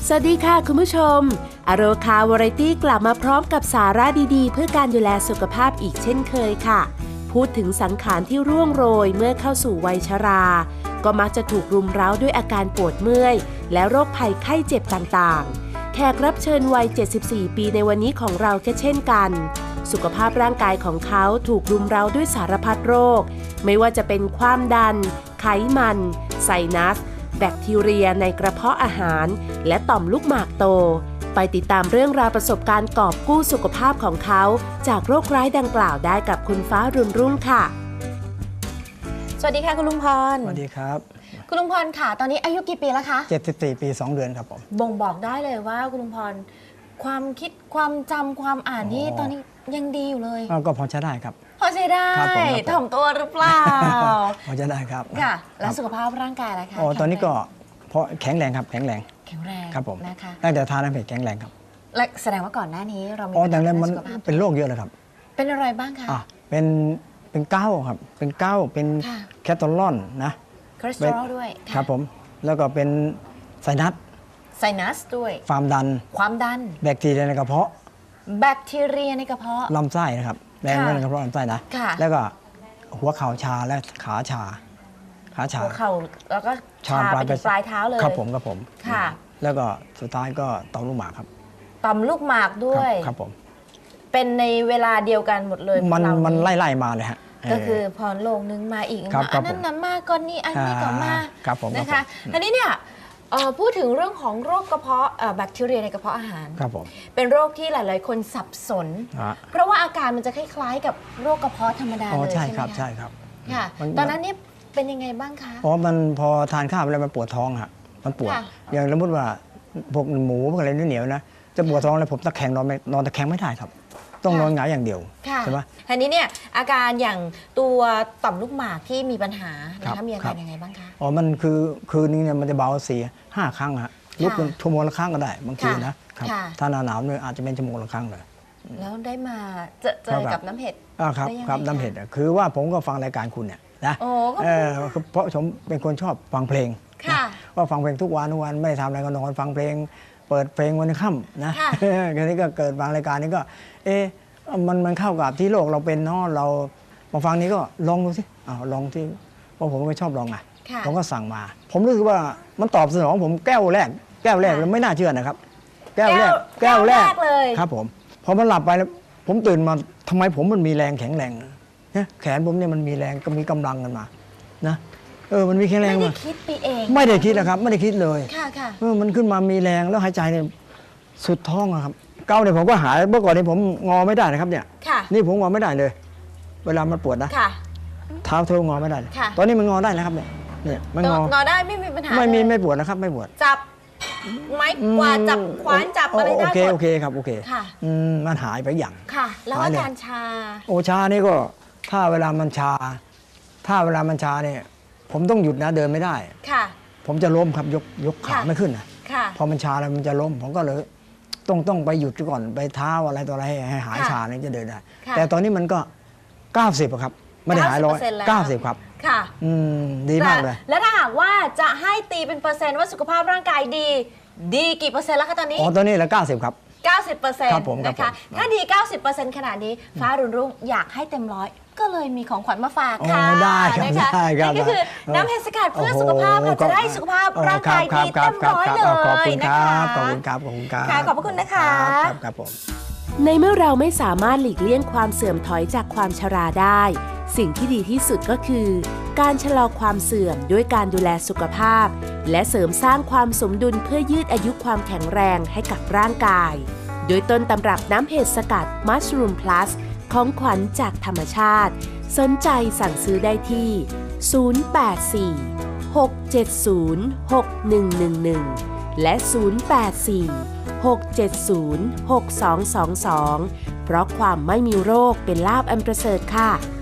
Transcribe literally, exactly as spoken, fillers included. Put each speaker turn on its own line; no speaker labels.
สวัสดีค่ะคุณผู้ชมอโรคาวาไรตี้กลับมาพร้อมกับสาระดีๆเพื่อการดูแลสุขภาพอีกเช่นเคยค่ะพูดถึงสังขารที่ร่วงโรยเมื่อเข้าสู่วัยชราก็มักจะถูกรุมเร้าด้วยอาการปวดเมื่อยและโรคภัยไข้เจ็บต่างๆแขกรับเชิญวัยเจ็ดสิบสี่ปีในวันนี้ของเราก็เช่นกันสุขภาพร่างกายของเขาถูกรุมเร้าด้วยสารพัดโรคไม่ว่าจะเป็นความดันไขมันไซนัสแบคทีเรียในกระเพาะอาหารและต่อมลูกหมากโตไปติดตามเรื่องราวประสบการณ์กอบกู้สุขภาพของเขาจากโรคร้ายดังกล่าวได้กับคุณฟ้ารุ่นรุ่งค่ะสวัสดีค่ะคุณลุงพร
สวัสดีครับ
คุณลุงพรค่ะตอนนี้อายุกี่ปีแล้วคะ
เจ็ดสิบสี่ปีสองเดือนครับผม
บ่งบอกได้เลยว่าคุณลุงพรความคิดความจำความอ่านนี่ตอนนี้ยังดีอยู่เลย
ก็พอใช้ได้ครับ
พอใช้ได้ถ่อมตัวหรือเปล่า
พอจะได้ครับ
ค่ะแล้วสุขภาพร่างกายล่ะคะ
อ๋อตอนนี้ก็เพราะแข็งแรงครับแข็งแรง
แข็งแรง
ครับผม
นะคะ
ตั้งแต่ทานน้ำเห็ดแข็งแรงครับ
และแสดงว่าก่อนหน้านี้เรามี
อ๋อแต่แล้วมันเป็นโรคเยอะเลยครับ
เป็นอะไรบ้างคะ
อ่ะเป็นเป็นเก้าครับเป็นเก้าเป็นแคทอลอนนะ
คอเลสเตอรอลด้วย
ครับผมแล้วก็เป็นไซนัส
ไซนัสด้วย
ความดัน
ความดัน
แบคทีเรียในกระเพาะ
แบคทีเรียในกระเพาะ
ลำไส้นะครับแรงในกระเพาะลำไส้นะแล้วก็หัวเข่าชาและขาชาขาชา
หัวเข่าแล้วก็ชาไปถึงปลายเท้าเลย
ครับผมครับผม
ค่ะ
แล้วก็สุดท้ายก็ต่อมลูกหมากครับ
ต่อมลูกหมากด้วย
ครับผม
เป็นในเวลาเดียวกันหมดเลย
มันมันไล่ๆมาเลยฮะ
ก็คือพอโลงนึงมาอีกอันนั้นน้ำมาก้อนนี้อันนี้ก็มานะคะอันนี้เนี่ยพูดถึงเรื่องของโรคกระเพาะแบคทีเรียในกระเพาะอาหาร
ครับผม
เป็นโรคที่หลายๆคนสับสนเพราะว่าอาการมันจะคล้ายๆกับโรคกระเพาะธรรมดาเลย
ใช่ไหมครับใช่ครับ
ค่ะตอนนั้นนี่เป็นยังไงบ้างคะ
อ๋อมันพอทานข้าวไปแล้วมันปวดท้องครับมันปวดอย่างสมมติว่าพวกหมูพวกอะไรเหนียวนะจะปวดท้องเลยผมตะแคงนอนนอนตะแคงไม่ได้ครับต้องนอนหงายอย่างเดียวใช่ไหม
ทีนี้เนี่ยอาการอย่างตัวต่อมลูกหมากที่มีปัญหานะคะมีอาการยังไงบ้างคะ
อ๋อมันคือคืนนี้เนี่ยมันจะเบาสี่ห้าครั้งฮะลุกเป็นชั่วโมงละครั้งก็ได้บางทีนะครับถ้าหนาวหนาวเนี่ยอาจจะเป็นชั่วโมงละครั้งเลย
แล้วได้มาเจอเจอกับน้ำเห็ด
อ่าครับครับน้ำเห็ดคือว่าผมก็ฟังรายการคุณเนี่ยนะเพราะผมเป็นคนชอบฟังเพลงว่าฟังเพลงทุกวันทุกวันไม่ทำอะไรก็นอนฟังเพลงเปิดเพลงวันค่ำนะทีนี้ก็เกิดฟังรายการนี้ก็เออมันมันเข้ากับที่โลกเราเป็นเนาะเรามาฟังนี้ก็ลองดูสิอ้าวลองที่เพราะผมก็ชอบลองอ่ะผมก็สั่งมาผมรู้สึกว่ามันตอบสนองผมแก้วแรกแก้วแรกแล้วไม่น่าเชื่อนะครับแก้วแรก
แก้วแรกเลย
ครับผมพอมันหลับไปแล้วผมตื่นมาทำไมผมมันมีแรงแข็งแรงนะแขนผมเนี่ยมันมีแรงก็มีกำลังกันมานะเออมันมีแข็งแรงมา
ไม่ได้คิดไปเอง
ไม่ได้คิดนะครับไม่ได้คิดเลย
ค่ะค่ะ
เออมันขึ้นมามีแรงแล้วหายใจเนี่ยสุดท้องครับเก้าเนี่ยผมก็หายเมื่อก่อนนี้ผมงอไม่ได้นะครับเนี่ยนี่ผมงอไม่ได้เลย เวลามันปวดนะเท้าเท้างอไม่ได้ตอนนี้มันงอได้แล้วครับเนี่ยเนี่ยมันง
องอได้ไม่มีปัญหา
ไม่มีไม่ปวดนะครับไม่ปวด
จับไม้กวาดจับขวานจับอะไรได้หมด
โอเคโอเคครับโอเค
ค่ะ
มันหายไปอย่าง
ค่ะแล้วอาการชา
โอชานี่ก็ถ้าเวลามันชาถ้าเวลามันชาเนี่ยผมต้องหยุดนะเดินไม่ได้
ค่ะ
ผมจะล้มครับยกยกขาไม่ขึ้นนะพอมันชาแล้วมันจะล้มผมก็เลยต้องต้องไปหยุดก่อนไปเท้าอะไรตัวอะไรให้หายชาเนี่ยจะเดินได้แต่ตอนนี้มันก็เก้าสิบครับไม่ได้หายร้อยเก้าสิบครับ
ค่ะ
อืมดีมากเลย
แล้วถ้าหากว่าจะให้ตีเป็นเปอร์เซ็นต์ว่าสุขภาพร่างกายดีดีกี่เปอร์เซ็นต์แล้วคะตอนนี้
อ๋อตอนนี้เหลือเก้าสิบครับ
เก้าสิบเปอร์เซ็นต์
นะคะ
ถ้าดีเก้าสิบเปอร์เซ็นต์ขนาดนี้ฟ้ารุ่งรุ่งอยากให้เต็มร้อยก็เลยมีของขวัญมาฝากค่ะ
ได้ครับได้ครับ
นี่ก็คือน้ำเห็ดสกัดเพื่อสุขภาพค่ะจะได้สุขภาพร่างกายดีเต็มร้อยเลยนะคะ
ขอบคุณครับขอบคุณครับ
ขอบพระคุณนะคะ
ครับผม
ในเมื่อเราไม่สามารถหลีกเลี่ยงความเสื่อมถอยจากความชราได้สิ่งที่ดีที่สุดก็คือการชะลอความเสื่อมด้วยการดูแลสุขภาพและเสริมสร้างความสมดุลเพื่อยืดอายุความแข็งแรงให้กับร่างกายโดยต้นตำรับน้ำเห็ดสกัด Mushroom Plus ของขวัญจากธรรมชาติสนใจสั่งซื้อได้ที่ศูนย์ แปด สี่ หก เจ็ด ศูนย์ หก หนึ่ง หนึ่ง หนึ่งและศูนย์ แปด สี่ หก เจ็ด ศูนย์ หก สอง สอง สองเพราะความไม่มีโรคเป็นลาภอันประเสริฐค่ะ